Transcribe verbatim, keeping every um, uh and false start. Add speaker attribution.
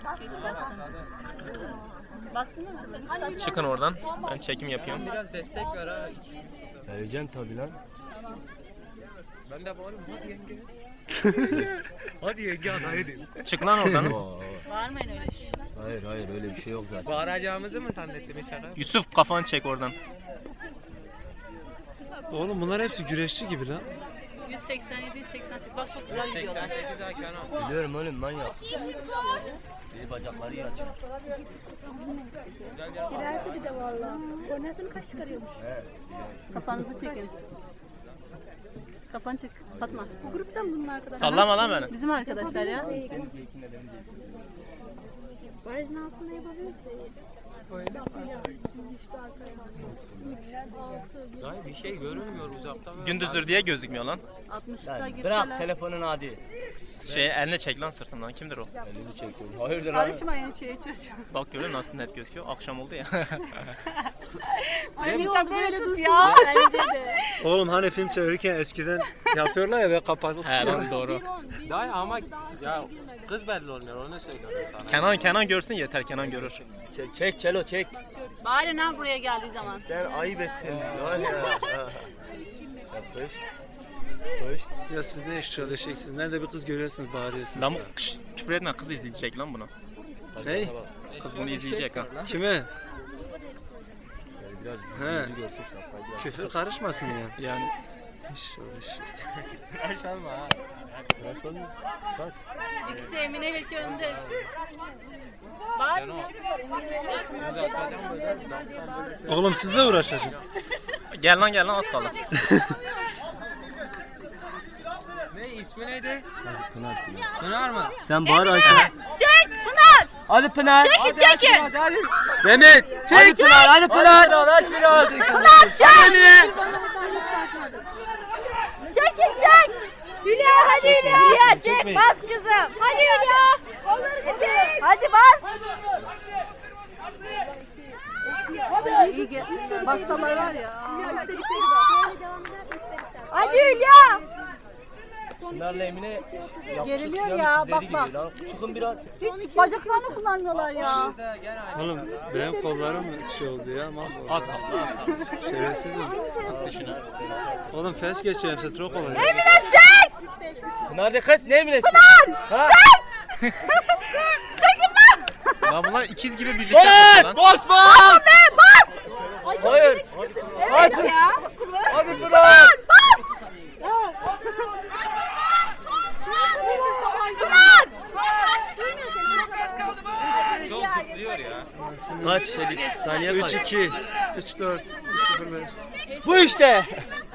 Speaker 1: Çıkın oradan. Ben çekim yapıyorum.
Speaker 2: Biraz destek ver ha.
Speaker 3: Vereceğim tabi lan.
Speaker 2: Ben de bağırıyorum hadi yenge. Hadi yenge hadi.
Speaker 1: Çık lan oradan.
Speaker 4: Bağırmayın öyle şey.
Speaker 3: Hayır hayır öyle bir şey yok zaten.
Speaker 2: Bağıracağımızı mı zannettin inşallah?
Speaker 1: Yusuf kafanı çek oradan.
Speaker 5: Oğlum bunlar hepsi güreşçi gibi lan.
Speaker 4: yüz seksen yedi yüz seksen sekiz bak çok güzel gidiyorlar.
Speaker 2: seksen sekiz daha Kenan.
Speaker 3: Biliyorum oğlum manyak. İyi bacakları iyi açıyor.
Speaker 6: Girerse bir de valla. Kornasını kaç çıkarıyormuş.
Speaker 4: Kafanızı çekin. Kafanı çek. Fatma.
Speaker 6: Bu gruptan bunun arkadaşlar.
Speaker 1: Sallama lan beni.
Speaker 4: Bizim arkadaşlar ya.
Speaker 6: Barajın altında yapabiliriz de. İşte arkaya.
Speaker 2: Dayı bir şey görünmüyor uzaktan.
Speaker 1: Gündüzdür diye gözükmüyor lan.
Speaker 4: altmışlıklar
Speaker 3: Lan
Speaker 4: girseler.
Speaker 3: bırak telefonunu hadi.
Speaker 1: Şey eline çek lan sırtından. Kimdir o?
Speaker 3: Elini çekiyorum. Hayırdır lan?
Speaker 4: Karışmayın şeye çocuğa.
Speaker 1: Bak görüyor musun nasıl net gözüküyor. Akşam oldu ya.
Speaker 6: Ay ne oldu böyle dursun
Speaker 4: ya.
Speaker 6: bence de.
Speaker 5: Oğlum hani film çevirirken eskiden yapıyorlar ya ve kapatıp
Speaker 1: He
Speaker 5: tutuyorlar.
Speaker 1: lan doğru.
Speaker 2: Dayı ama ya kız belli olmuyor onu söylüyorum sana.
Speaker 1: Kenan Kenan görsün yeter, Kenan görür.
Speaker 3: Çek, çek Çelo çek.
Speaker 4: Bari ne buraya geldiği zaman.
Speaker 3: Sen ayıp ettin. Var ya. Yapış. Yapış.
Speaker 5: Ya siz ne iş çalışıyorsunuz? Nerede bir kız görüyorsunuz bağırıyorsunuz.
Speaker 1: Lan
Speaker 5: ya.
Speaker 1: kış, küfür etme, kız izleyecek lan bunu.
Speaker 5: Ney?
Speaker 1: Kız bunu izleyecek ha.
Speaker 5: Kime?
Speaker 3: Yani biraz
Speaker 5: He.
Speaker 3: yüzü görsün şapkayı biraz.
Speaker 5: Küfür karışmasın ya.
Speaker 1: Yani
Speaker 5: İş o iş.
Speaker 2: Aşağıma ha.
Speaker 3: Kaç oğlum? Kaç?
Speaker 4: İkisi Emine ile şey önde. Bari
Speaker 5: Oğlum sizle uğraşacağım.
Speaker 1: gel lan gel lan az kaldı.
Speaker 2: Ne ismi neydi?
Speaker 3: Hadi Pınar Pınar.
Speaker 2: Pınar mı?
Speaker 3: Sen bağır Ayşe.
Speaker 4: çek Pınar.
Speaker 3: Hadi Pınar.
Speaker 4: Çekin çekin.
Speaker 2: Hadi hadi.
Speaker 5: Demet.
Speaker 3: Hadi Pınar. Hadi Pınar. Hadi Pınar.
Speaker 4: Pınar çek. Çekin çek. Hülya hadi Hülya. Hülya çek bas kızım. Hadi Hülya. Hadi bas. İyi gel. Bastalar var ya.
Speaker 6: Üçte biteri var. Böyle devam eder. Üçte biter.
Speaker 4: Hadi Hülya.
Speaker 3: Pınar'la Emine yapışık
Speaker 4: Geriliyor
Speaker 3: silahın
Speaker 4: ya,
Speaker 3: izleri
Speaker 4: bak,
Speaker 3: gibi
Speaker 4: bak.
Speaker 3: lan. Çıkın biraz.
Speaker 4: Hiç bacaklarını kullanmıyorlar ya.
Speaker 5: Oğlum benim kollarım şey oldu ya. mahvoldu.
Speaker 1: Az kaldı az kaldı.
Speaker 5: Şerefsizim.
Speaker 1: Düşünün.
Speaker 5: Oğlum fes geçiyorum size çok olacak.
Speaker 4: Emine çek.
Speaker 3: Pınar de kız ne Emine'si?
Speaker 4: Pınar.
Speaker 3: Ha?
Speaker 4: Çekin lan.
Speaker 1: Lan bunlar ikiz gibi birlikte yapıyor lan.
Speaker 3: Bas bas!
Speaker 4: Bas be bas.
Speaker 3: Hayır.
Speaker 4: Evet ya.
Speaker 3: Hadi Pınar!
Speaker 2: Yol zıplıyor ya.
Speaker 3: Kaç? Saniye
Speaker 5: üç
Speaker 3: kaç?
Speaker 5: iki, üç dört, üç sıfır beş.
Speaker 3: Bu işte.